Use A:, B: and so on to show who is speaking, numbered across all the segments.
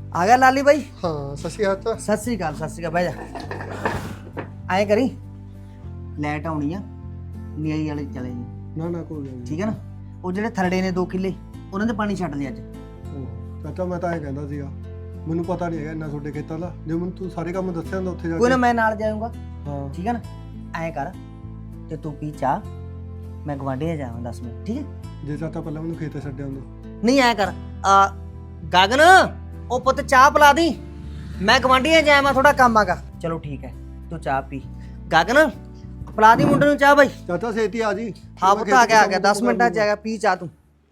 A: आ गया लाली भाई।
B: हाँ सत श्री अकाल चाचा।
A: सत श्री अकाल बह जा। आए करी लाइट आनी आ नीली वाले चले जी।
B: ना ना कोई गल नहीं।
A: ठीक है ना। ਉਹ ਜਿਹੜੇ ਥਰੜੇ ਨੇ 2 ਕਿੱਲੇ ਉਹਨਾਂ ਦੇ ਪਾਣੀ ਛੱਡ ਦੇ ਅੱਜ।
B: ਚਾਚਾ ਮੈਂ ਤਾਂ ਐਂ ਕਹਿੰਦਾ ਸੀਗਾ ਮੈਨੂੰ ਪਤਾ ਨਹੀਂ ਹੈਗਾ ਇੰਨਾ ਤੁਹਾਡੇ ਖੇਤਾਂ ਦਾ, ਜੇ ਮੈਨੂੰ ਤੂੰ ਸਾਰੇ ਕੰਮ ਦੱਸਿਆ ਹੁੰਦਾ ਉੱਥੇ ਜਾ
A: ਕੋਈ
B: ਕੇ।
A: ਨਾ ਮੈਂ ਨਾਲ ਜਾਊਂਗਾ।
B: ਹਾਂ
A: ਠੀਕ ਹੈ ਨਾ। ਐਂ ਕਰ ਤੇ ਤੂੰ ਪੀ ਚਾਹ, ਮੈਂ ਗਵਾਂਢੀਆਂ ਜਾਵਾਂ 10 ਮਿੰਟ। ਠੀਕ ਹੈ।
B: ਜੇ ਚਾਚਾ ਪਹਿਲਾਂ ਮੈਨੂੰ ਖੇਤੇ ਛੱਡਿਆ ਹੁੰਦਾ।
A: ਨਹੀਂ ਐਂ ਕਰ ਗਗਨ ਉਹ ਪੁੱਤ ਚਾਹ ਪਿਲਾ ਦੀ, ਮੈਂ ਗਵਾਂਢੀਆਂ ਜਾਵਾਂ ਥੋੜਾ ਕੰਮ ਆਗਾ। ਚਲੋ ਠੀਕ ਹੈ ਤੂੰ ਚਾਹ ਪੀ। ਗਗਨ ਪਿਲਾ ਦੀ ਮੁੰਡੇ ਨੂੰ ਚਾਹ ਬਾਈ।
B: ਚਾਚਾ ਛੇਤੀ ਆ ਜੀ।
A: ਹਾਂ ਪੁੱਤ ਆ ਗਿਆ 10 ਮਿੰਟਾਂ ਚ ਆਏਗਾ। ਪੀ ਚਾਹ ਤੂੰ।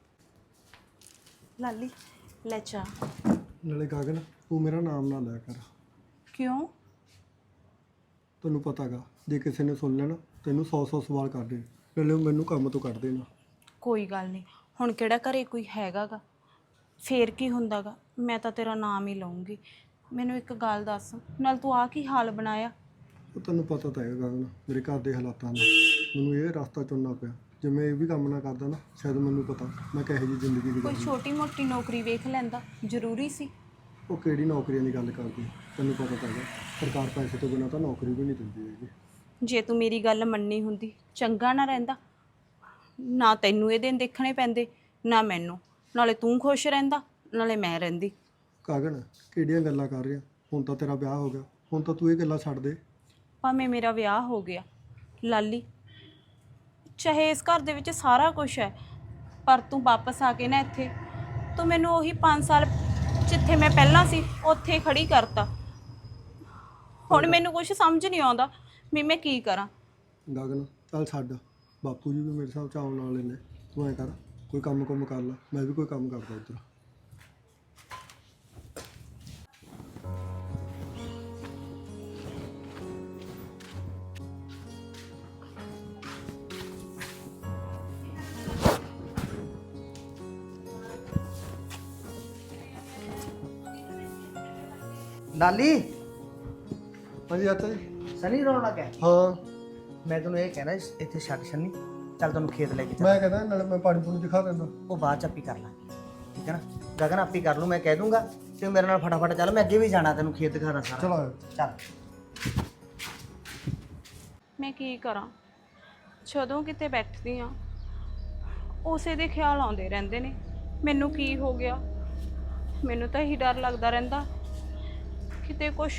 C: ਲਾਲੀ ਲੈ ਚਾਹ।
B: ਨਾਲੇ ਗਗਨ ਤੂੰ ਮੇਰਾ ਨਾਮ ਨਾ ਲਿਆ ਕਰ।
C: ਕਿਉਂ?
B: ਤੈਨੂੰ ਪਤਾਗਾ ਜੇ ਕਿਸੇ ਨੇ ਸੁਣ ਲੈਣਾ ਤੈਨੂੰ 100 ਸਵਾਲ ਕਰਦੇ, ਨਾਲੇ ਮੈਨੂੰ ਕੰਮ ਤੋਂ ਕੱਢ ਦੇਣਾ।
C: ਕੋਈ ਗੱਲ ਨਹੀਂ, ਹੁਣ ਕਿਹੜਾ ਘਰੇ ਕੋਈ ਹੈਗਾਗਾ, ਫੇਰ ਕੀ ਹੁੰਦਾਗਾ, ਮੈਂ ਤਾਂ ਤੇਰਾ ਨਾਮ ਹੀ ਲਊਂਗੀ। ਮੈਨੂੰ ਇੱਕ ਗੱਲ ਦੱਸ, ਨਾਲ ਤੂੰ ਆ ਕੀ ਹਾਲ ਬਣਾਇਆ?
B: ਉਹ ਤੈਨੂੰ ਪਤਾ ਤਾਂ ਹੈਗਾ ਗਗਨ ਮੇਰੇ ਘਰ ਦੇ ਹਾਲਾਤਾਂ ਦਾ, ਮੈਨੂੰ ਇਹ ਰਸਤਾ ਚੁਣਨਾ ਪਿਆ। ਜੇ ਮੈਂ ਇਹ ਵੀ ਕੰਮ ਨਾ ਕਰਦਾ ਨਾ ਸ਼ਾਇਦ ਮੈਨੂੰ ਪਤਾ ਮੈਂ ਕਿਹੋ ਜਿਹੀ ਜ਼ਿੰਦਗੀ
C: ਕੋਈ
B: ਗੁਜ਼ਾਰਨੀ।
C: ਛੋਟੀ ਮੋਟੀ ਨੌਕਰੀ ਵੇਖ ਲੈਂਦਾ, ਜ਼ਰੂਰੀ ਸੀ।
B: ਉਹ ਕਿਹੜੀ ਨੌਕਰੀਆਂ ਦੀ ਗੱਲ ਕਰਦੀ, ਤੈਨੂੰ ਪਤਾ ਤਾਂ ਹੈਗਾ ਸਰਕਾਰ ਪੈਸੇ ਤੋਂ ਬਿਨਾਂ ਤਾਂ ਨੌਕਰੀ ਵੀ ਨਹੀਂ ਦਿੰਦੀ ਹੈਗੀ।
C: ਜੇ ਤੂੰ ਮੇਰੀ ਗੱਲ ਮੰਨੀ ਹੁੰਦੀ ਚੰਗਾ ਨਾ ਰਹਿੰਦਾ, ਨਾ ਤੈਨੂੰ ਇਹ ਦਿਨ ਦੇਖਣੇ ਪੈਂਦੇ ਨਾ ਮੈਨੂੰ, ਨਾਲੇ ਤੂੰ ਖੁਸ਼ ਰਹਿੰਦਾ ਨਾਲੇ ਮੈਂ ਰਹਿੰਦੀ।
B: ਗਗਨ ਕਿਹੜੀਆਂ ਗੱਲਾਂ ਕਰ ਰਿਹਾ, ਹੁਣ ਤਾਂ ਤੇਰਾ ਵਿਆਹ ਹੋ ਗਿਆ, ਹੁਣ ਤਾਂ ਤੂੰ ਇਹ ਗੱਲਾਂ ਛੱਡ ਦੇ।
C: ਭਾਵੇਂ ਮੇਰਾ ਵਿਆਹ ਹੋ ਗਿਆ ਲਾਲੀ, ਚਾਹੇ ਇਸ ਘਰ ਦੇ ਵਿੱਚ ਸਾਰਾ ਕੁਝ ਹੈ, ਪਰ ਤੂੰ ਵਾਪਸ ਆ ਕੇ ਨਾ ਇੱਥੇ ਤੂੰ ਮੈਨੂੰ ਉਹੀ 5 ਸਾਲ ਜਿੱਥੇ ਮੈਂ ਪਹਿਲਾਂ ਸੀ ਉੱਥੇ ਖੜੀ ਕਰਤਾ। ਹੁਣ ਮੈਨੂੰ ਕੁਝ ਸਮਝ ਨਹੀਂ ਆਉਂਦਾ ਵੀ ਮੈਂ ਕੀ ਕਰਾਂ।
B: ਗਗਨ ਚੱਲ ਛੱਡ, ਬਾਪੂ ਜੀ ਵੀ ਮੇਰੇ ਹਿਸਾਬ ਚ ਆਉਣ ਵਾਲੇ ਨੇ। ਤੂੰ ਐਂ ਕਰ ਕੋਈ ਕੰਮ ਕਰ ਲੈ, ਮੈਂ ਵੀ ਕੋਈ ਕੰਮ ਕਰਦਾ ਇੱਧਰ।
A: ਲਾਲੀ
B: ਹਾਂਜੀ ਚਾਚਾ ਜੀ।
A: ਸਨੀ ਰੋਣ ਲੱਗਾ।
B: ਹਾਂ
A: ਮੈਂ ਤੈਨੂੰ ਇਹ ਕਹਿਣਾ ਇੱਥੇ ਛੱਡ ਛੰਨੀ, ਚੱਲ ਤੈਨੂੰ ਖੇਤ ਲੈ ਕੇ ਚੱਲ।
B: ਮੈਂ ਕਹਿੰਦਾ ਨਾਲੇ ਮੈਂ ਪਾਣੀ ਪੂਣੀ ਦਿਖਾ ਦਿੰਦਾ।
A: ਉਹ ਬਾਅਦ ਚ ਆਪੀ ਕਰ ਲਾਂਗੇ। ਠੀਕ ਹੈ ਨਾ। ਗਗਨ ਆਪੀ ਕਰ ਲੂ, ਮੈਂ ਕਹਿ ਦੂੰਗਾ ਤੇ ਮੇਰੇ ਨਾਲ ਫਟਾਫਟ ਚੱਲ, ਮੈਂ ਅੱਗੇ ਵੀ ਜਾਣਾ, ਤੈਨੂੰ ਖੇਤ ਦਿਖਾਣਾ ਸਾਰਾ।
B: ਚਲੋ ਆਇਓ।
A: ਚੱਲ।
C: ਮੈਂ ਕੀ ਕਰਾਂ, ਜਦੋਂ ਕਿਤੇ ਬੈਠਦੀ ਆ ਉਸੇ ਦੇ ਖਿਆਲ ਆਉਂਦੇ ਰਹਿੰਦੇ ਨੇ। ਮੈਨੂੰ ਕੀ ਹੋ ਗਿਆ, ਮੈਨੂੰ ਤਾਂ ਇਹੀ ਡਰ ਲੱਗਦਾ ਰਹਿੰਦਾ ਕਿਤੇ ਕੁਛ।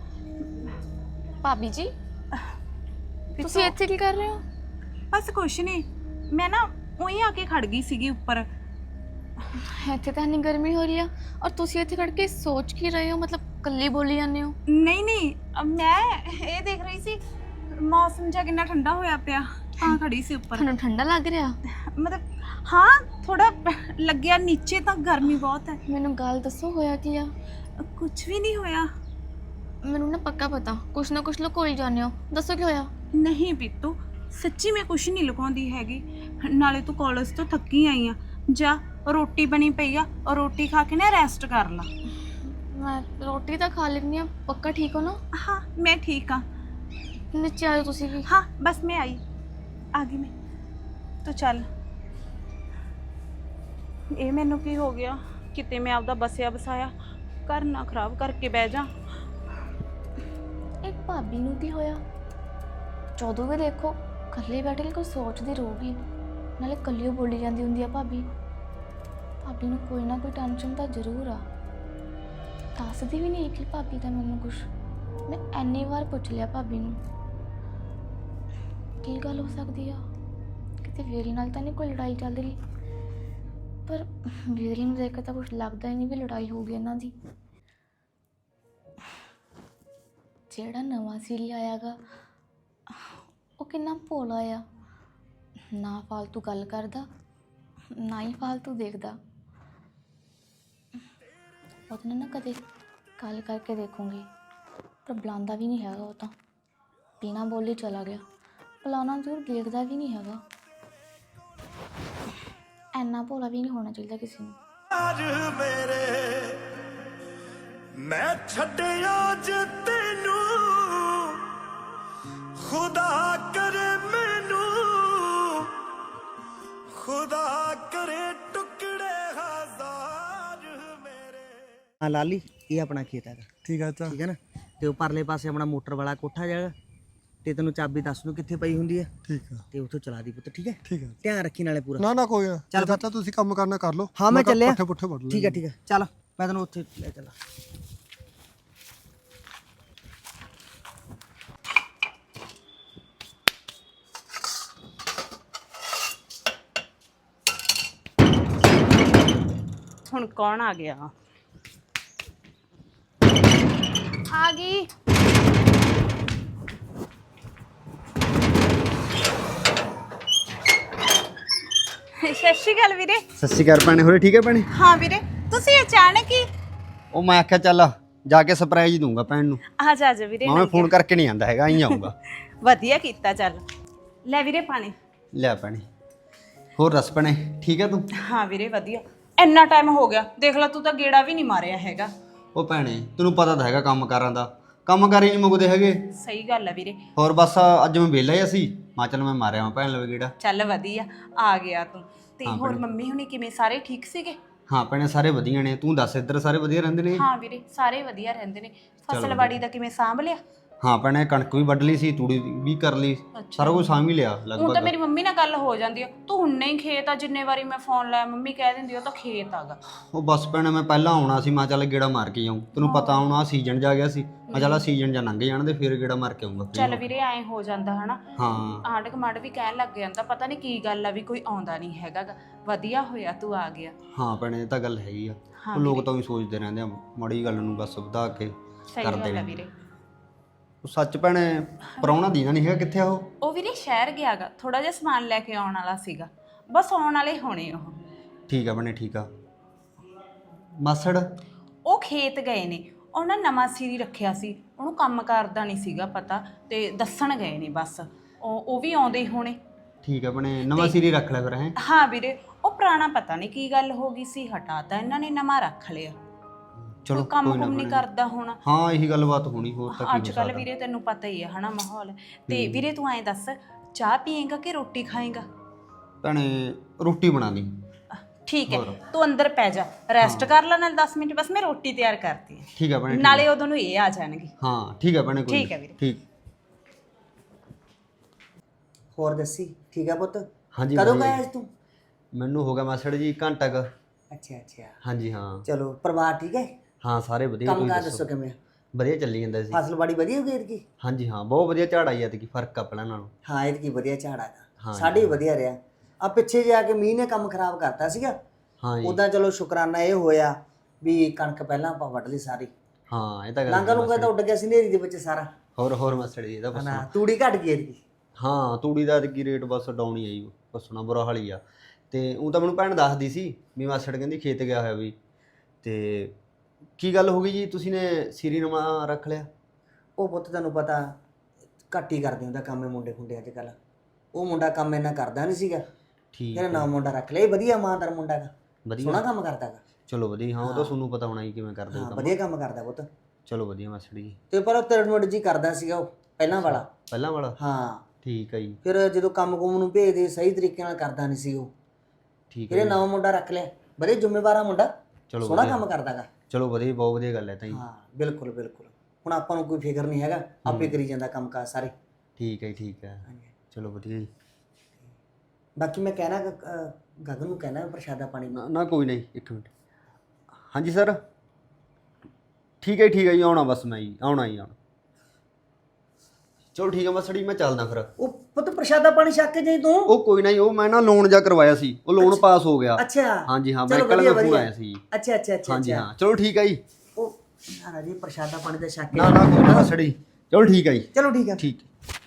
D: ਭਾਬੀ ਜੀ ਤੁਸੀਂ ਇੱਥੇ ਕੀ ਕਰ ਰਹੇ ਹੋ?
C: ਬਸ ਕੁਛ ਨਹੀਂ, ਮੈਂ ਨਾ ਉਹੀ ਆ ਕੇ ਖੜ ਗਈ ਸੀਗੀ ਉੱਪਰ।
D: ਇੱਥੇ ਤਾਂ ਇੰਨੀ ਗਰਮੀ ਹੋ ਰਹੀ ਆ ਔਰ ਤੁਸੀਂ ਇੱਥੇ ਖੜ ਕੇ ਸੋਚ ਕੀ ਰਹੇ ਹੋ? ਮਤਲਬ ਇਕੱਲੀ ਬੋਲੀ ਜਾਂਦੇ ਹੋ?
C: ਨਹੀਂ ਨਹੀਂ, ਮੈਂ ਇਹ ਦੇਖ ਰਹੀ ਸੀ ਮੌਸਮ ਜਿਹਾ ਕਿੰਨਾ ਠੰਡਾ ਹੋਇਆ ਪਿਆ, ਤਾਂ ਖੜੀ ਸੀ ਉੱਪਰ।
D: ਤੁਹਾਨੂੰ ਠੰਡਾ ਲੱਗ ਰਿਹਾ?
C: ਮਤਲਬ ਹਾਂ ਥੋੜਾ ਲੱਗਿਆ, ਨੀਚੇ ਤਾਂ ਗਰਮੀ ਬਹੁਤ ਹੈ।
D: ਮੈਨੂੰ ਗੱਲ ਦੱਸੋ ਹੋਇਆ ਕੀ ਆ?
C: ਕੁਝ ਵੀ ਨਹੀਂ ਹੋਇਆ।
D: ਮੈਨੂੰ ਨਾ ਪੱਕਾ ਪਤਾ ਕੁਛ ਨਾ ਕੁਛ ਲੁਕੋਈ ਜਾਂਦੇ ਹੋ, ਦੱਸੋ ਕੀ ਹੋਇਆ?
C: ਨਹੀਂ ਪੀਤੂ, ਸੱਚੀ ਮੈਂ ਕੁਛ ਨਹੀਂ ਲੁਕਾਉਂਦੀ ਹੈਗੀ। ਨਾਲੇ ਤੂੰ ਕਾਲਜ ਤੋਂ ਥੱਕੀ ਆਈ ਆ, ਜਾ ਰੋਟੀ ਬਣੀ ਪਈ ਆ ਔਰ ਰੋਟੀ ਖਾ ਕੇ ਨਾ ਰੈਸਟ ਕਰ ਲਾ।
D: ਮੈਂ ਰੋਟੀ ਤਾਂ ਖਾ ਲੈਂਦੀ ਆ। ਪੱਕਾ ਠੀਕ ਹੋ ਨਾ?
C: ਹਾਂ ਮੈਂ ਠੀਕ ਆ।
D: ਨੀਚੇ ਆਇਓ ਤੁਸੀਂ ਵੀ।
C: ਹਾਂ ਬਸ ਮੈਂ ਆ ਗਈ ਮੈਂ। ਤੂੰ ਚੱਲ। ਇਹ ਮੈਨੂੰ ਕੀ ਹੋ ਗਿਆ, ਕਿਤੇ ਮੈਂ ਆਪਦਾ ਬਸਿਆ ਬਸਾਇਆ ਘਰ ਨਾ ਖਰਾਬ ਕਰਕੇ ਬਹਿ ਜਾ।
D: ਇੱਕ ਭਾਬੀ ਨੂੰ ਕੀ ਹੋਇਆ? ਜਦੋਂ ਵੀ ਦੇਖੋ ਇਕੱਲੇ ਬੈਠੇ ਕੋਈ ਸੋਚਦੀ ਰਹੂਗੀ, ਨਾਲੇ ਇਕੱਲੀ ਬੋਲੀ ਜਾਂਦੀ ਹੁੰਦੀ ਆ ਭਾਬੀ। ਭਾਬੀ ਨੂੰ ਕੋਈ ਨਾ ਕੋਈ ਟੈਨਸ਼ਨ ਤਾਂ ਜ਼ਰੂਰ ਆ, ਦੱਸਦੀ ਵੀ ਨਹੀਂ ਕਿ ਭਾਬੀ ਦਾ ਮੈਨੂੰ ਕੁਛ। ਮੈਂ ਇੰਨੀ ਵਾਰ ਪੁੱਛ ਲਿਆ ਭਾਬੀ ਨੂੰ ਕੀ ਗੱਲ ਹੋ ਸਕਦੀ ਆ, ਕਿਤੇ ਵੀਰੇ ਨਾਲ ਤਾਂ ਨਹੀਂ ਕੋਈ ਲੜਾਈ ਚੱਲ ਰਹੀ, ਪਰ ਵੀਰੇ ਨੂੰ ਦੇਖ ਕੇ ਤਾਂ ਕੁਛ ਲੱਗਦਾ ਹੀ ਨਹੀਂ ਵੀ ਲੜਾਈ ਹੋ ਗਈ ਇਹਨਾਂ ਦੀ। ਜਿਹੜਾ ਨਵਾਂ ਸੀਰੀ ਆਇਆਗਾ ਉਹ ਕਿੰਨਾ ਭੋਲਾ ਆ, ਨਾ ਫਾਲਤੂ ਗੱਲ ਕਰਦਾ ਨਾ ਹੀ ਫਾਲਤੂ ਦੇਖਦਾ। ਉਹਦੇ ਨਾਲ ਨਾ ਕਦੇ ਗੱਲ ਕਰਕੇ ਦੇਖੂੰਗੀ, ਪਰ ਬੁਲਾਉਂਦਾ ਵੀ ਨਹੀਂ ਹੈਗਾ। ਉਹ ਤਾਂ ਬਿਨਾਂ ਬੋਲੇ ਚਲਾ ਗਿਆ। ਬੁਲਾਉਣਾ ਜ਼ਰੂਰ, ਦੇਖਦਾ ਵੀ ਨਹੀਂ ਹੈਗਾ। ਇੰਨਾ ਭੋਲਾ ਵੀ ਨਹੀਂ ਹੋਣਾ ਚਾਹੀਦਾ ਕਿਸੇ ਨੂੰ।
E: आज मेरे मैं छड्डिया ज तैनू खुदा करे मैनू खुदा करे टुकड़े हजार मेरे।
A: हाँ लाली ਇਹ ਆਪਣਾ ਖੇਤ ਹੈਗਾ,
B: ਠੀਕ ਆ ਚਾਚਾ।
A: ਠੀਕ ਹੈ ਨਾ। ਤੇ ਉਹ ਪਰਲੇ ਪਾਸੇ ਆਪਣਾ ਮੋਟਰ ਵਾਲਾ ਕੋਠਾ ਜਾਗਾ, ਤੇ ਤੈਨੂੰ ਚਾਬੀ ਦੱਸ ਦੂੰ ਕਿੱਥੇ ਪਈ ਹੁੰਦੀ ਹੈ,
B: ਠੀਕ ਆ
A: ਤੇ ਉੱਥੋਂ ਚਲਾ ਦੀ ਪੁੱਤ, ਠੀਕ ਹੈ।
B: ਠੀਕ ਆ।
A: ਧਿਆਨ ਰੱਖੀ ਨਾਲੇ ਪੂਰਾ।
B: ਨਾ ਨਾ ਕੋਈ ਨਾ
A: ਚੱਲ
B: ਚਾਚਾ, ਤੁਸੀਂ ਕੰਮ ਕਰਨਾ ਕਰ ਲਓ।
A: ਹਾਂ ਮੈਂ ਚੱਲਿਆ,
B: ਪੱਠੇ ਪੁੱਠੇ ਵੱਢ
A: ਠੀਕ ਹੈ ਠੀਕ ਹੈ, ਚੱਲ ਮੈਂ ਤੈਨੂੰ ਉੱਥੇ ਲੈ ਚੱਲਾਂ।
C: ਹੁਣ ਕੌਣ ਆ ਗਿਆ?
D: ਆ ਗਈ।
C: ਸਤਿ ਸ਼੍ਰੀ ਅਕਾਲ ਵੀਰੇ।
F: ਸਤਿ ਸ਼੍ਰੀ ਅਕਾਲ ਭੈਣੇ, ਹੋਰੇ ਠੀਕ ਹੈ ਭੈਣੇ?
C: ਹਾਂ ਵੀਰੇ, ਤੁਸੀਂ ਅਚਾਨਕ ਹੀ
F: ਉਹ ਮੈਂ ਆਖਿਆ ਚੱਲ ਜਾ ਕੇ ਸਰਪ੍ਰਾਈਜ਼ ਦੂੰਗਾ ਭੈਣ ਨੂੰ।
C: ਆ ਜਾ ਵੀਰੇ।
F: ਮੈਂ ਫੋਨ ਕਰਕੇ ਨਹੀਂ ਆਂਦਾ ਹੈਗਾ, ਆਈ ਆਉਂਗਾ।
C: ਵਧੀਆ ਕੀਤਾ, ਚੱਲ ਲੈ ਵੀਰੇ ਪਾਣੀ।
F: ਲੈ ਭੈਣੇ, ਹੋਰ ਦੱਸ ਭੈਣੇ, ਠੀਕ ਹੈ ਤੂੰ?
C: ਹਾਂ ਵੀਰੇ ਵਧੀਆ। ਇੰਨਾ ਟਾਈਮ ਹੋ ਗਿਆ, ਦੇਖ ਲੈ ਤੂੰ ਤਾਂ ਗੇੜਾ ਵੀ ਨਹੀਂ ਮਾਰਿਆ ਹੈਗਾ।
F: ਉਹ ਭੈਣੇ ਤੈਨੂੰ ਪਤਾ ਤਾਂ ਹੈਗਾ ਕੰਮਕਾਰਾਂ ਦਾ, ਕੰਮਕਾਰ ਹੀ ਨਹੀਂ ਮੁੱਕਦੇ ਹੈਗੇ।
C: ਸਹੀ ਗੱਲ ਹੈ ਵੀਰੇ।
F: ਹੋਰ ਬਸ ਅੱਜ ਮੈਂ ਵਿਹਲਾ ਹੀ ਸੀ, ਮੈਂ ਚੱਲ ਮੈਂ ਮਾਰਿਆ ਮੈਂ ਭੈਣ ਲਵੇ ਗੇੜਾ।
C: ਚੱਲ ਵਧੀਆ ਆ ਗਿਆ ਤੂੰ। ਤੇ ਹੋਰ ਮੰਮੀ ਹੁਣੀ ਕਿਵੇਂ, ਸਾਰੇ ਠੀਕ ਸੀਗੇ?
F: ਹਾਂ ਭੈਣੇ ਸਾਰੇ ਵਧੀਆ ਨੇ, ਤੂੰ ਦੱਸ ਇੱਧਰ ਸਾਰੇ ਵਧੀਆ ਰਹਿੰਦੇ ਨੇ?
C: ਹਾਂ ਵੀਰੇ ਸਾਰੇ ਵਧੀਆ ਰਹਿੰਦੇ ਨੇ। ਫਸਲਵਾੜੀ ਦਾ ਕਿਵੇਂ ਸਾਂਭ ਲਿਆ?
F: ਹਾਂ ਭੈਣੇ ਕਣਕ ਵੀ ਵੱਢ ਲਈ ਸੀ, ਤੂੜੀ ਵੀ ਕਰ ਲਈ, ਸਾਰਾ ਕੁਝ ਸਾਂਭ ਹੀ ਲਿਆ
C: ਹੁਣ ਤਾਂ
F: ਲਗਭਗ।
C: ਮੇਰੀ ਮੰਮੀ ਨਾਲ ਗੱਲ ਹੋ ਜਾਂਦੀ ਆ, ਤੂੰ ਹੁਣ ਨਹੀਂ ਖੇਤ ਆ, ਜਿੰਨੇ ਵਾਰੀ ਮੈਂ ਫੋਨ ਲਾਇਆ ਮੰਮੀ ਕਹਿ ਦਿੰਦੀ ਉਹ ਤਾਂ ਖੇਤ ਆਗਾ।
F: ਉਹ ਬਸ ਭੈਣੇ ਮੈਂ ਪਹਿਲਾਂ ਆਉਣਾ ਸੀ, ਮੈਂ ਚੱਲ ਗੇੜਾ ਮਾਰ ਕੇ ਆਉਂ, ਤੈਨੂੰ ਪਤਾ ਹੁਣ ਆਹ ਸੀਜ਼ਨ ਜਾ ਗਿਆ ਸੀ, ਮੈਂ ਚੱਲ ਸੀਜ਼ਨ ਜਾਂ ਲੰਘ ਜਾਣ ਦੇ ਫਿਰ ਗੇੜਾ ਮਾਰ ਕੇ ਆਉਂਗਾ।
C: ਚੱਲ ਵੀਰੇ ਐਂ ਹੋ ਜਾਂਦਾ ਹਨਾ।
F: ਹਾਂ
C: ਆਂਢ ਗੁਆਂਢ ਵੀ ਕਹਿਣ ਲੱਗ ਜਾਂਦਾ ਪਤਾ ਨਹੀਂ ਕੀ ਗੱਲ ਆ ਵੀ ਕੋਈ ਆਉਂਦਾ ਨਹੀਂ ਹੈਗਾ ਗਾ। ਵਧੀਆ ਹੋਇਆ ਤੂੰ ਆ ਗਿਆ।
F: ਹਾਂ ਭੈਣੇ ਇਹ ਤਾਂ ਗੱਲ ਹੈਗੀ ਆ, ਉਹ ਲੋਕ ਤਾਂ ਵੀ ਸੋਚਦੇ ਰਹਿੰਦੇ ਆ ਮਾੜੀ ਗੱਲ ਨੂੰ ਬਸ ਵਧਾ ਕੇ
C: ਸਹੀ
F: ਕਰਦੇ
C: ਗੱਲ ਆ
F: ਨੇ।
C: ਵੀਰੇ।
F: ਉਹ ਸੱਚ ਭੈਣੇ ਪ੍ਰਾਹੁਣਾ ਦੀਨਾ ਨਹੀਂ ਹੈਗਾ, ਕਿੱਥੇ ਆ ਉਹ?
C: ਉਹ ਵੀਰੇ ਸ਼ਹਿਰ ਗਿਆਗਾ, ਥੋੜਾ ਜਿਹਾ ਸਮਾਨ ਲੈ ਕੇ ਆਉਣ ਵਾਲਾ ਸੀਗਾ, ਬਸ ਆਉਣ ਵਾਲੇ ਹੋਣੇ ਉਹ।
F: ਠੀਕ ਆ ਭੈਣੇ ਠੀਕ ਆ। ਮਾਸੜ?
C: ਉਹ ਖੇਤ ਗਏ ਨੇ, ਉਹਨਾਂ ਨਵਾਂ ਸੀਰੀ ਰੱਖਿਆ ਸੀ, ਉਹਨੂੰ ਕੰਮ ਕਰਦਾ ਨਹੀਂ ਸੀਗਾ ਪਤਾ, ਤੇ ਦੱਸਣ ਗਏ ਨੇ ਬਸ। ਉਹ ਵੀ ਆਉਂਦੇ ਹੀ ਹੋਣੇ।
F: ਠੀਕ ਆ ਭੈਣੇ, ਨਵਾਂ ਸਿਰੀ ਰੱਖ ਲਿਆ ਫਿਰ ਹੈ?
C: ਹਾਂ ਵੀਰੇ, ਉਹ ਪੁਰਾਣਾ ਪਤਾ ਨਹੀਂ ਕੀ ਗੱਲ ਹੋ ਗਈ ਸੀ, ਹਟਾਤਾ ਇਹਨਾਂ ਨੇ, ਨਵਾਂ ਰੱਖ ਲਿਆ।
F: ਚਲੋ
C: ਕੋਈ ਕੰਮ
F: ਕੋਈ ਨਾ
C: ਕੁਮ ਨਹੀਂ
F: ਭੈਣੇ।
C: ਕਰਦਾ ਹੁਣ।
F: ਹਾਂ ਇਹੀ ਗੱਲਬਾਤ ਹੋਣੀ, ਹੋਰ ਤਾਂ ਕੀ
C: ਅੱਜ
F: ਹੋ
C: ਕੱਲ
F: ਸਕਦਾ।
C: ਵੀਰੇ ਤੈਨੂੰ ਪਤਾ ਹੀ ਹੈ ਹਨਾ ਮਾਹੌਲ। ਤੇ ਵੀਰੇ ਤੂੰ ਐਂ ਦੱਸ, ਚਾਹ ਪੀਏਗਾ ਕਿ ਰੋਟੀ ਖਾਏਗਾ?
F: ਭੈਣੇ ਰੋਟੀ ਬਣਾ ਲਈ।
C: ਠੀਕ ਹੈ, ਤੂੰ ਅੰਦਰ ਪੈ ਜਾ, ਰੈਸਟ ਕਰ ਲੈ ਨਾਲ 10 ਮਿੰਟ, ਬਸ ਮੈਂ ਰੋਟੀ ਤਿਆਰ ਕਰਤੀ ਹੈ।
F: ਠੀਕ ਆ ਭੈਣੇ ਠੀਕ ਆ।
C: ਨਾਲੇ ਉਦੋਂ ਨੂੰ ਇਹ ਆ ਜਾਣਗੇ।
F: ਹਾਂ ਠੀਕ ਆ ਭੈਣੇ ਕੋਈ
C: ਠੀਕ ਆ ਵੀਰੇ।
F: ਠੀਕ।
A: ਹੋਰ ਦੱਸੀ, ਠੀਕ ਹੈ ਪੁੱਤ?
F: ਹਾਂਜੀ
A: ਕਦੋਂ
F: ਵਧੀਆ।
A: ਗਿਆ ਤੂੰ?
F: ਮੈਨੂੰ ਹੋ ਗਿਆ ਮਾਸੜ ਜੀ ਘੰਟਾ ਕੁ।
A: ਅੱਛਾ ਅੱਛਾ,
F: ਹਾਂਜੀ ਹਾਂ।
A: ਚਲੋ ਪਰਿਵਾਰ ਠੀਕ ਹੈ?
F: ਹਾਂ ਸਾਰੇ ਵਧੀਆ।
A: ਕੰਮ
F: ਤੁਸੀਂ
A: ਕਾਰ
F: ਦੱਸੋ?
A: ਦੱਸੋ ਕਿਵੇਂ?
F: ਵਧੀਆ ਚੱਲੀ ਜਾਂਦਾ ਸੀ।
A: ਫਸਲਬਾੜੀ ਵਧੀਆ ਹੋ ਗਈ ਐਤਕੀ?
F: ਹਾਂਜੀ ਹਾਂ ਬਹੁਤ ਵਧੀਆ ਝਾੜ ਆਈ ਐਤਕੀ, ਫਰਕ ਆ ਪਹਿਲਾਂ ਨਾਲੋਂ।
A: ਹਾਂ ਐਤਕੀ ਵਧੀਆ ਝਾੜ ਆਗਾ,
F: ਹਾਂ
A: ਸਾਡੇ ਵੀ ਵਧੀਆ ਰਿਹਾ। ਆ ਪਿੱਛੇ ਜਾ ਕੇ ਮੀਂਹ ਨੇ ਕੰਮ ਖਰਾਬ ਕਰਤਾ ਸੀਗਾ,
F: ਹਾਂ ਜੀ
A: ਉਦਾਂ ਚਲੋ ਸ਼ੁਕਰਾਨਾ ਇਹ ਹੋਇਆ ਵੀ ਕਣਕ ਪਹਿਲਾਂ ਆਪਾਂ ਵੱਢ ਲਈ ਸਾਰੀ।
F: ਹਾਂ ਇਹ ਤਾਂ ਗੱਲ
A: ਲਾਂਗਾ
F: ਹੈ
A: ਲੂੰਗਾ ਤਾਂ ਉੱਡ ਗਿਆ ਸੀ ਨੇਰੀ ਦੇ ਵਿੱਚ ਸਾਰਾ।
F: ਹੋਰ ਮਾਸੜ ਜੀ ਇਹਦਾ
A: ਨਾ
F: ਪੁੱਛਣਾ।
A: ਤੂੜੀ ਘਟ ਗਈ ਐਤਕੀ।
F: ਹਾਂ ਤੂੜੀ ਦਾ ਐਤਕੀ ਰੇਟ ਬਸ ਡਾਊਨ ਹੀ ਆਈ, ਪੁੱਛਣਾ ਬੁਰਾ ਹਾਲ ਹੀ ਆ। ਤੇ ਉਹ ਤਾਂ ਮੈਨੂੰ ਭੈਣ ਦੱਸਦੀ ਸੀ ਵੀ ਮਾਸੜ ਕਹਿੰਦੀ ਖੇਤ ਗਿਆ ਹੋਇਆ ਵੀ। ਤੇ ਕੀ ਗੱਲ ਹੋ ਗਈ ਜੀ, ਤੁਸੀਂ ਨੇ ਸੀਰੀ ਨਵਾਂ ਰੱਖ ਲਿਆ?
A: ਉਹ ਪੁੱਤ ਤੈਨੂੰ ਪਤਾ ਘੱਟ ਹੀ ਕਰਦੇ ਹੁੰਦਾ ਕੰਮ ਇਹ ਮੁੰਡੇ ਖੁੰਡੇ ਅੱਜ ਕੱਲ। ਉਹ ਮੁੰਡਾ ਕੰਮ ਇੰਨਾ ਕਰਦਾ ਨਹੀਂ ਸੀਗਾ,
F: ਠੀਕ
A: ਇਹਨੇ ਨਵਾਂ ਮੁੰਡਾ ਰੱਖ ਲਿਆ। ਇਹ ਵਧੀਆ ਇਮਾਨਦਾਰ ਮੁੰਡਾ ਗਾ,
F: ਵਧੀਆ।
A: ਸੋਹਣਾ ਕੰਮ ਕਰਦਾ ਗਾ।
F: ਚਲੋ ਵਧੀਆ। ਹਾਂ ਉਹ ਤਾਂ ਤੁਹਾਨੂੰ ਪਤਾ ਹੋਣਾ ਹੀ ਕਿਵੇਂ ਕਰਦੇ
A: ਹਾਂ
F: ਕੰਮ।
A: ਵਧੀਆ ਕੰਮ ਕਰਦਾ ਪੁੱਤ।
F: ਚਲੋ ਵਧੀਆ ਮਾਸੜ ਜੀ।
A: ਤੇ ਪਰ ਉਹ ਤਿਰਮੜ ਜੀ ਕਰਦਾ ਸੀਗਾ ਉਹ ਪਹਿਲਾਂ ਵਾਲਾ।
F: ਪਹਿਲਾਂ ਵਾਲਾ?
A: ਹਾਂ
F: ਠੀਕ ਹੈ ਜੀ।
A: ਫਿਰ ਜਦੋਂ ਕੰਮ ਕੁਮ ਨੂੰ ਭੇਜਦੇ ਸਹੀ ਤਰੀਕੇ ਨਾਲ ਕਰਦਾ ਨਹੀਂ ਸੀ ਉਹ।
F: ਠੀਕ
A: ਫਿਰ
F: ਹੈ
A: ਇਹ ਨਵਾਂ ਮੁੰਡਾ ਰੱਖ ਲਿਆ, ਵਧੀਆ ਜ਼ਿੰਮੇਵਾਰਾ ਮੁੰਡਾ,
F: ਚਲੋ
A: ਸੋਹਣਾ
F: ਵਧੀਆ।
A: ਕੰਮ ਕਰਦਾ ਗਾ।
F: ਚਲੋ ਵਧੀਆ, ਬਹੁਤ ਵਧੀਆ ਗੱਲ ਹੈ ਤਾਂ ਜੀ।
A: ਹਾਂ ਬਿਲਕੁਲ ਬਿਲਕੁਲ। ਹੁਣ ਆਪਾਂ ਨੂੰ ਕੋਈ ਫਿਕਰ ਨਹੀਂ ਹੈਗਾ, ਆਪੇ ਕਰੀ ਜਾਂਦਾ ਕੰਮ ਕਾਰ ਸਾਰੇ।
F: ਠੀਕ ਹੈ ਠੀਕ ਹੈ। ਚਲੋ ਵਧੀਆ ਜੀ।
A: ਬਾਕੀ ਮੈਂ ਕਹਿਣਾ ਗਗਨ ਨੂੰ ਕਹਿਣਾ ਪ੍ਰਸ਼ਾਦਾ ਪਾਣੀ
F: ਨਾ ਕੋਈ ਨਹੀਂ, ਇੱਕ ਮਿੰਟ। ਹਾਂਜੀ ਸਰ ਠੀਕ ਹੈ ਜੀ, ਆਉਣਾ ਬਸ ਮੈਂ ਜੀ, ਆਉਣਾ ਹੀ ਆਉਣਾ। ਚਲੋ ਠੀਕ ਹੈ ਮਾਸੜ ਜੀ, ਮੈਂ ਚੱਲਦਾ ਫਿਰ।
A: ਉਹ ਪੁੱਤ ਪ੍ਰਸ਼ਾਦਾ ਪਾਣੀ ਛੱਕ ਕੇ ਜਾਈ ਤੂੰ।
F: ਉਹ ਕੋਈ ਨਾ ਜੀ, ਉਹ ਮੈਂ ਨਾ ਲੋਨ ਜਾ ਕਰਵਾਇਆ ਸੀ, ਉਹ ਲੋਨ ਪਾਸ ਹੋ ਗਿਆ।
A: ਅੱਛਾ
F: ਹਾਂਜੀ ਹਾਂ,
A: ਚਲੋ
F: ਬੈਂਕ ਵਾਲੇ
A: ਵਧੀਆ,
F: ਦਾ ਫੋਨ
A: ਵਧੀਆ।
F: ਆਇਆ ਸੀ ਜੀ।
A: ਅੱਛਾ ਅੱਛਾ ਅੱਛਾ
F: ਹਾਂਜੀ
A: ਅੱਛਾ।
F: ਹਾਂ ਚਲੋ ਠੀਕ ਹੈ ਜੀ।
A: ਉਹ ਯਾਰ ਜੀ ਪ੍ਰਸ਼ਾਦਾ ਪਾਣੀ ਦਾ ਛੱਕ ਕੇ
F: ਨਾ ਕੋਈ ਨਾ ਮਾਸੜ ਜੀ, ਚਲੋ ਠੀਕ ਹੈ ਜੀ।
A: ਚਲੋ ਠੀਕ ਹੈ।
F: ਠੀਕ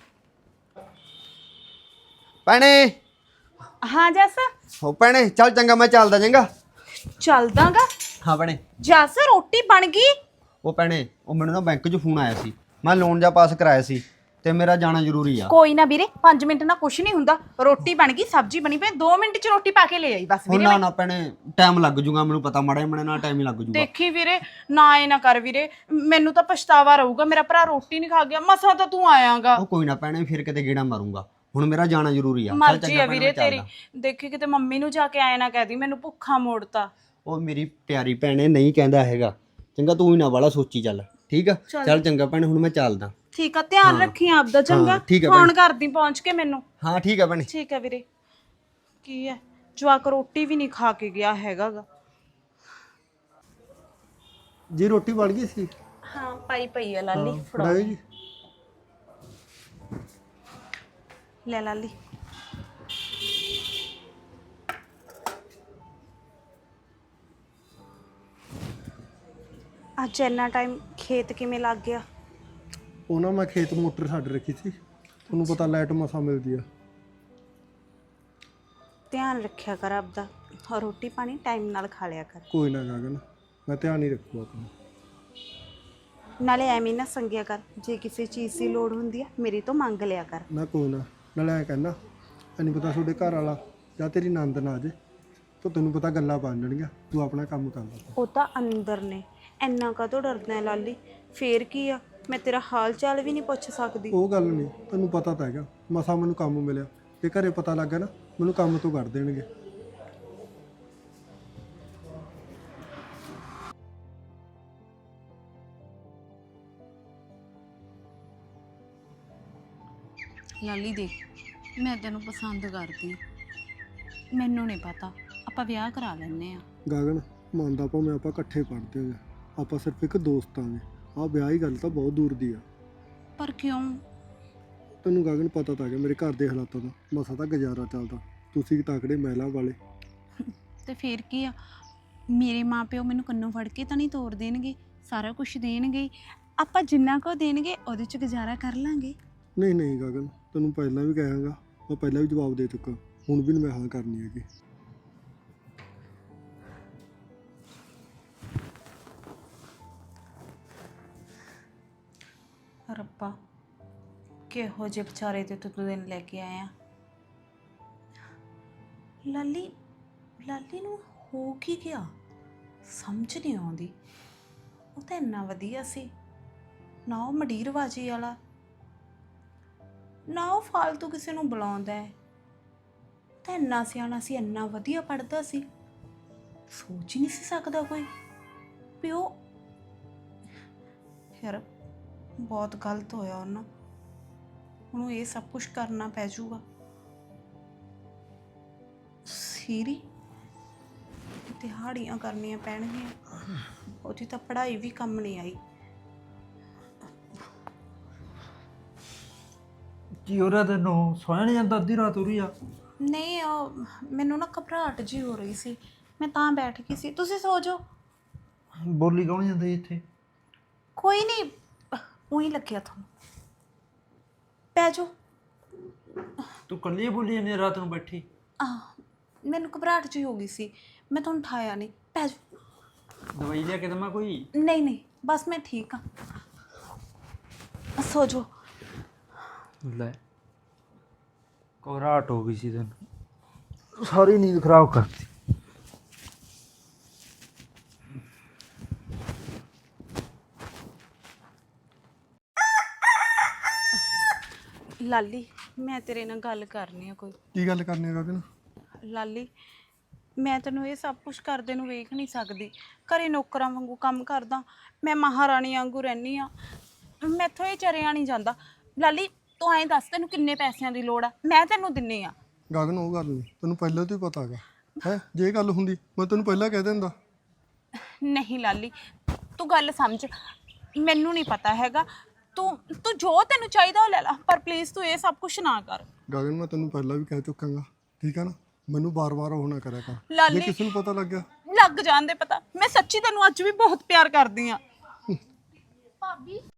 F: ਭੈਣੇ।
C: ਹਾਂ ਜੱਸ,
F: ਹੋ ਭੈਣੇ ਚੱਲ ਚੰਗਾ, ਮੈਂ ਚੱਲਦਾ ਚੰਗਾ।
C: ਚੱਲਦਾਗਾ।
F: ਹਾਂ ਭੈਣੇ।
C: ਜੱਸ ਰੋਟੀ ਬਣ ਗਈ?
F: ਉਹ ਭੈਣੇ ਉਹ ਮੈਨੂੰ ਨਾ ਬੈਂਕ 'ਚ ਫੋਨ ਆਇਆ ਸੀ, ਮੈਂ ਲੋਨ ਜਾ ਪਾਸ ਕਰਾਇਆ ਸੀ ਤੇ ਮੇਰਾ ਜਾਣਾ ਜ਼ਰੂਰੀ ਆ।
C: ਕੋਈ ਨਾ ਵੀਰੇ, 5 ਮਿੰਟ ਨਾਲ ਕੁਛ ਨਹੀਂ ਹੁੰਦਾ। ਰੋਟੀ ਬਣ ਗਈ, ਸਬਜ਼ੀ ਬਣੀ ਪਈ, 2 ਮਿੰਟ ਚ ਰੋਟੀ ਪਾ ਕੇ ਲੈ ਆਈ ਬਸ
F: ਹੁਣ
C: ਵੀਰੇ।
F: ਨਾ ਭੈਣੇ ਟਾਈਮ ਲੱਗ ਜੂਗਾ, ਮੈਨੂੰ ਪਤਾ ਮਾੜਾ ਮੜੇ ਨਾਲ ਟਾਈਮ ਹੀ ਲੱਗ ਜੂਗਾ।
C: ਦੇਖੀ ਵੀਰੇ, ਨਾ ਇਹ ਨਾ ਕਰ ਵੀਰੇ, ਮੈਨੂੰ ਤਾਂ ਪਛਤਾਵਾ ਰਹੂਗਾ, ਮੇਰਾ ਭਰਾ ਰੋਟੀ ਨਹੀਂ ਖਾ ਗਿਆ, ਮਸਾਂ ਤਾਂ ਤੂੰ ਆਇਆਗਾ।
F: ਉਹ ਕੋਈ ਨਾ ਭੈਣੇ, ਫਿਰ ਕਿਤੇ ਗੇੜਾ ਮਾਰੂੰਗਾ, ਹੁਣ ਮੇਰਾ ਜਾਣਾ ਜ਼ਰੂਰੀ ਆ। ਚੱਲ
C: ਮਰਜ਼ੀ
F: ਚੰਗਾ
C: ਆ
F: ਭੈਣੇ,
C: ਵੀਰੇ
F: ਮੈਂ
C: ਤੇਰੀ।
F: ਚੱਲਦਾ।
C: ਦੇਖੀ ਕਿਤੇ ਮੰਮੀ ਨੂੰ ਜਾ ਕੇ ਆਏ ਨਾ ਕਹਿਦੀ ਮੈਨੂੰ ਭੁੱਖਾ ਮੋੜਤਾ।
F: ਉਹ ਮੇਰੀ ਪਿਆਰੀ ਭੈਣੇ ਨਹੀਂ ਕਹਿੰਦਾ ਹੈਗਾ, ਚੰਗਾ ਤੂੰ ਹੀ ਨਾ ਵਾਲਾ ਸੋਚੀ ਚੱਲ, ਠੀਕ ਆ?
C: ਚੱਲ।
F: ਚੱਲ ਚੰਗਾ ਭੈਣੇ, ਹੁਣ ਮੈਂ ਚੱਲਦਾ।
C: ਠੀਕ ਆ, ਧਿਆਨ ਰੱਖੀ ਆਪਦਾ, ਚੰਗਾ?
F: ਠੀਕ ਆ
C: ਫੋਨ
F: ਭੈਣੇ।
C: ਕਰਦੀ ਪਹੁੰਚ ਕੇ ਮੈਨੂੰ।
F: ਹਾਂ ਠੀਕ ਆ ਭੈਣੇ।
C: ਠੀਕ ਹੈ ਵੀਰੇ। ਕੀ ਹੈ, ਜਵਾਕ ਰੋਟੀ ਵੀ ਨਹੀਂ ਖਾ ਕੇ ਗਿਆ ਹੈਗਾ ਗਾ।
B: ਜੀ ਰੋਟੀ ਬਣ ਗਈ ਸੀ?
C: ਹਾਂ ਪਾਈ ਪਈ ਆ ਲਾਲੀ, ਫੜਾਓ
B: ਫੜਾਇਓ ਜੀ।
C: ਲੈ ਲਾਲੀ। ਅੱਜ ਇੰਨਾ ਟਾਈਮ ਖੇਤ ਕਿਵੇਂ ਲੱਗ ਗਿਆ?
B: ਉਹਨਾਂ ਮੈਂ ਖੇਤ ਮੋਟਰ ਛੱਡ ਰੱਖੀ ਸੀ, ਤੁਹਾਨੂੰ ਪਤਾ ਲਾਈਟ ਮਸਾਂ ਮਿਲਦੀ ਆ।
C: ਧਿਆਨ ਰੱਖਿਆ ਕਰ ਆਪਦਾ, ਔਰ ਰੋਟੀ ਪਾਣੀ ਟਾਈਮ ਨਾਲ ਖਾ ਲਿਆ ਕਰ।
B: ਕੋਈ ਨਾ ਗਗਨ, ਮੈਂ ਧਿਆਨ ਹੀ ਰੱਖੂਗਾ ਆਪਣਾ।
C: ਨਾਲੇ ਐਵੇਂ ਨਾ ਸੰਗਿਆ ਕਰ, ਜੇ ਕਿਸੇ ਚੀਜ਼ ਦੀ ਲੋੜ ਹੁੰਦੀ ਆ ਮੇਰੇ ਤੋਂ ਮੰਗ ਲਿਆ ਕਰ।
B: ਨਾ ਕੋਈ ਨਾ, ਨਾਲੇ ਐਂ ਕਹਿੰਦਾ ਨਹੀਂ ਪਤਾ ਤੁਹਾਡੇ ਘਰ ਵਾਲਾ ਜਾਂ ਤੇਰੀ ਨੰਦ ਨਾ ਆ ਜੇ ਤਾਂ ਤੈਨੂੰ ਪਤਾ ਗੱਲਾਂ ਬਣ ਜਾਣਗੀਆਂ, ਤੂੰ ਆਪਣਾ ਕੰਮ ਕਰ ਲੈ।
C: ਉਹ ਤਾਂ ਅੰਦਰ ਨੇ, ਇੰਨਾ ਕਾਹਤੋਂ ਡਰਦਾ ਹੈ ਲਾਲੀ? ਫੇਰ ਕੀ ਆ, ਮੈਂ ਤੇਰਾ ਹਾਲ ਚਾਲ ਵੀ ਨਹੀਂ ਪੁੱਛ ਸਕਦੀ?
B: ਉਹ ਗੱਲ ਨਹੀਂ, ਤੈਨੂੰ ਪਤਾ ਤਾਂ ਹੈਗਾ ਮਸਾਂ ਮੈਨੂੰ ਕੰਮ ਮਿਲਿਆ, ਜੇ ਘਰੇ ਪਤਾ ਲੱਗ ਗਿਆ ਨਾ ਮੈਨੂੰ ਕੰਮ ਤੋਂ ਕੱਢ ਦੇਣਗੇ।
C: ਲਾਲੀ ਦੇਖ, ਮੈਂ ਤੈਨੂੰ ਪਸੰਦ ਕਰਦੀ, ਮੈਨੂੰ ਨਹੀਂ ਪਤਾ, ਆਪਾਂ ਵਿਆਹ ਕਰਾ ਲੈਨੇ ਆ।
B: ਗਗਨ ਮੰਨਦਾ ਭਾਵੇਂ ਆਪਾਂ ਇਕੱਠੇ ਪੜ੍ਹਦੇ ਹੋਗੇ, ਆਪਾਂ ਸਿਰਫ ਇੱਕ ਦੋਸਤ ਆਂਗੇ, ਆਹ ਵਿਆਹ ਹੀ ਗੱਲ ਤਾਂ ਬਹੁਤ ਦੂਰ ਦੀ ਆ।
C: ਪਰ ਕਿਉਂ?
B: ਤੈਨੂੰ ਗਗਨ ਪਤਾ ਤਾਂ ਹੈਗਾ ਮੇਰੇ ਘਰ ਦੇ ਹਾਲਾਤਾਂ ਦਾ, ਮਸਾਂ ਤਾਂ ਗੁਜ਼ਾਰਾ ਚੱਲਦਾ, ਤੁਸੀਂ ਤਾਕੜੇ ਮਹਿਲਾ ਵਾਲੇ।
C: ਤੇ ਫੇਰ ਕੀ ਆ, ਮੇਰੇ ਮਾਪਿਓ ਮੈਨੂੰ ਕੰਨੋਂ ਫੜ ਕੇ ਤਾਂ ਨਹੀਂ ਤੋੜ ਦੇਣਗੇ, ਸਾਰਾ ਕੁਝ ਦੇਣਗੇ, ਆਪਾਂ ਜਿੰਨਾ ਕੁ ਦੇਣਗੇ ਉਹਦੇ 'ਚ ਗੁਜ਼ਾਰਾ ਕਰ ਲਾਂਗੇ।
B: ਨਹੀਂ ਨਹੀਂ ਗਗਨ, ਤੈਨੂੰ ਪਹਿਲਾਂ ਵੀ ਕਹਾਂਗਾ, ਮੈਂ ਪਹਿਲਾਂ ਵੀ ਜਵਾਬ ਦੇ ਚੁੱਕਾ, ਹੁਣ ਵੀ ਨਹੀਂ ਮੈਂ ਹਾਂ ਕਰਨੀ ਹੈਗੀ।
C: ਰੱਬਾ, ਕਿਹੋ ਜਿਹੇ ਵਿਚਾਰੇ ਤੇ ਤੂੰ ਦਿਨ ਲੈ ਕੇ ਆਇਆ। ਲਾਲੀ ਨੂੰ ਹੋ ਕੀ ਗਿਆ, ਸਮਝ ਨਹੀਂ ਆਉਂਦੀ। ਉਹ ਤਾਂ ਇੰਨਾ ਵਧੀਆ ਸੀ ਨਾ, ਉਹ ਮਡੀਰਬਾਜੀ ਵਾਲਾ ਨਾ, ਉਹ ਫਾਲਤੂ ਕਿਸੇ ਨੂੰ ਬੁਲਾਉਂਦਾ ਹੈ, ਤਾਂ ਇੰਨਾ ਸਿਆਣਾ ਸੀ, ਇੰਨਾ ਵਧੀਆ ਪੜ੍ਹਦਾ ਸੀ, ਸੋਚ ਹੀ ਨਹੀਂ ਸੀ ਸਕਦਾ ਕੋਈ ਵੀ ਉਹ। ਯਾਰ ਬਹੁਤ ਗਲਤ ਹੋਇਆ ਉਹਨਾਂ, ਉਹਨੂੰ ਇਹ ਸਭ ਕੁਝ ਕਰਨਾ ਪੈ ਜਾਊਗਾ। ਸੀਰੀ ਦਿਹਾੜੀਆਂ ਕਰਨੀਆਂ ਪੈਣਗੀਆਂ, ਉਹਦੀ ਤਾਂ ਪੜ੍ਹਾਈ ਵੀ ਕੰਮ ਨਹੀਂ ਆਈ।
G: ਕੀ ਹੋ ਰਿਹਾ ਤੈਨੂੰ? ਸੋਇਆ ਨਹੀਂ ਜਾਂਦਾ ਅੱਧੀ ਰਾਤ ਹੋ ਰਹੀ ਆ?
C: ਨਹੀਂ, ਉਹ ਮੈਨੂੰ ਨਾ ਘਬਰਾਹਟ ਜੀ ਹੋ ਰਹੀ ਸੀ, ਮੈਂ ਤਾਂ ਬੈਠ ਗਈ ਸੀ। ਤੁਸੀਂ ਸੋ ਜਾਓ।
G: ਬੋਲੀ ਕੌਣ ਜਾਂਦਾ ਜੀ ਇੱਥੇ?
C: ਕੋਈ ਨਹੀਂ, ਉਹੀ ਲੱਗਿਆ ਤੁਹਾਨੂੰ, ਪੈ ਜਾਓ।
G: ਤੂੰ ਇਕੱਲੀ ਬੋਲੀ ਜਾਂਦੀ ਆ ਰਾਤ ਨੂੰ ਬੈਠੀ?
C: ਮੈਨੂੰ ਘਬਰਾਹਟ ਜੀ ਹੋ ਗਈ ਸੀ, ਮੈਂ ਤੁਹਾਨੂੰ ਉਠਾਇਆ ਨਹੀਂ, ਪੈ ਜਾਓ।
G: ਦਵਾਈ ਲਿਆ ਕੇ ਦੇਵਾਂ ਕੋਈ?
C: ਨਹੀਂ ਨਹੀਂ, ਬਸ ਮੈਂ ਠੀਕ ਹਾਂ, ਸੋ ਜਾਓ।
G: ਲੈ ਘਬਰਾਹਟ ਹੋ ਗਈ ਸੀ ਤੈਨੂੰ, ਸਾਰੀ ਨੀਂਦ ਖਰਾਬ ਕਰਤੀ।
C: ਲਾਲੀ, ਮੈਂ ਤੇਰੇ ਨਾਲ ਗੱਲ ਕਰਨੀ ਆ ਕੋਈ।
B: ਕੀ ਗੱਲ ਕਰਨੀ ਹੈ ਗਗਨ?
C: ਲਾਲੀ, ਮੈਂ ਤੈਨੂੰ ਇਹ ਸਭ ਕੁਝ ਕਰਦੇ ਨੂੰ ਵੇਖ ਨਹੀਂ ਸਕਦੀ। ਘਰੇ ਨੌਕਰਾਂ ਵਾਂਗੂ ਕੰਮ ਕਰਦਾ, ਮੈਂ ਮਹਾਰਾਣੀ ਵਾਂਗੂ ਰਹਿੰਦੀ ਆ, ਮੈਥੋਂ ਇਹ ਚਰਿਆ ਨਹੀਂ ਜਾਂਦਾ। ਲਾਲੀ ਤੂੰ ਐਂ ਦੱਸ, ਤੈਨੂੰ ਕਿੰਨੇ ਪੈਸਿਆਂ ਦੀ ਲੋੜ ਆ, ਮੈਂ ਤੈਨੂੰ ਦਿੰਨੀ ਆ।
B: ਗਗਨ ਉਹ ਗੱਲ ਨਹੀਂ, ਤੈਨੂੰ ਪਹਿਲਾਂ ਤੋਂ ਹੀ ਪਤਾ ਹੈਗਾ ਹੈ, ਜੇ ਇਹ ਗੱਲ ਹੁੰਦੀ ਮੈਂ ਤੈਨੂੰ ਪਹਿਲਾਂ ਕਹਿ ਦਿੰਦਾ।
C: ਨਹੀਂ ਲਾਲੀ, ਤੂੰ ਗੱਲ ਸਮਝ, ਮੈਨੂੰ ਨਹੀਂ ਪਤਾ ਹੈਗਾ, ਤੂੰ ਜੋ ਤੈਨੂੰ ਚਾਹੀਦਾ ਉਹ ਲੈ ਲੈ, ਪਰ ਪਲੀਜ਼ ਤੂੰ ਇਹ ਸਭ ਕੁਝ ਨਾ ਕਰ।
B: ਗਗਨ ਮੈਂ ਤੈਨੂੰ ਪਹਿਲਾਂ ਵੀ ਕਹਿ ਚੁੱਕਾਂਗਾ, ਠੀਕ ਹੈ ਨਾ, ਮੈਨੂੰ ਬਾਰ-ਬਾਰ ਉਹ ਨਾ ਕਰਿਆ ਕਰ, ਜੇ
C: ਲਾਲੀ
B: ਕਿਸੇ ਨੂੰ ਪਤਾ ਲੱਗ ਗਿਆ।
C: ਲੱਗ ਜਾਂਦੇ ਪਤਾ, ਮੈਂ ਸੱਚੀ ਤੈਨੂੰ ਅੱਜ ਵੀ ਬਹੁਤ ਪਿਆਰ ਕਰਦੀ ਆ।
D: ਭਾਬੀ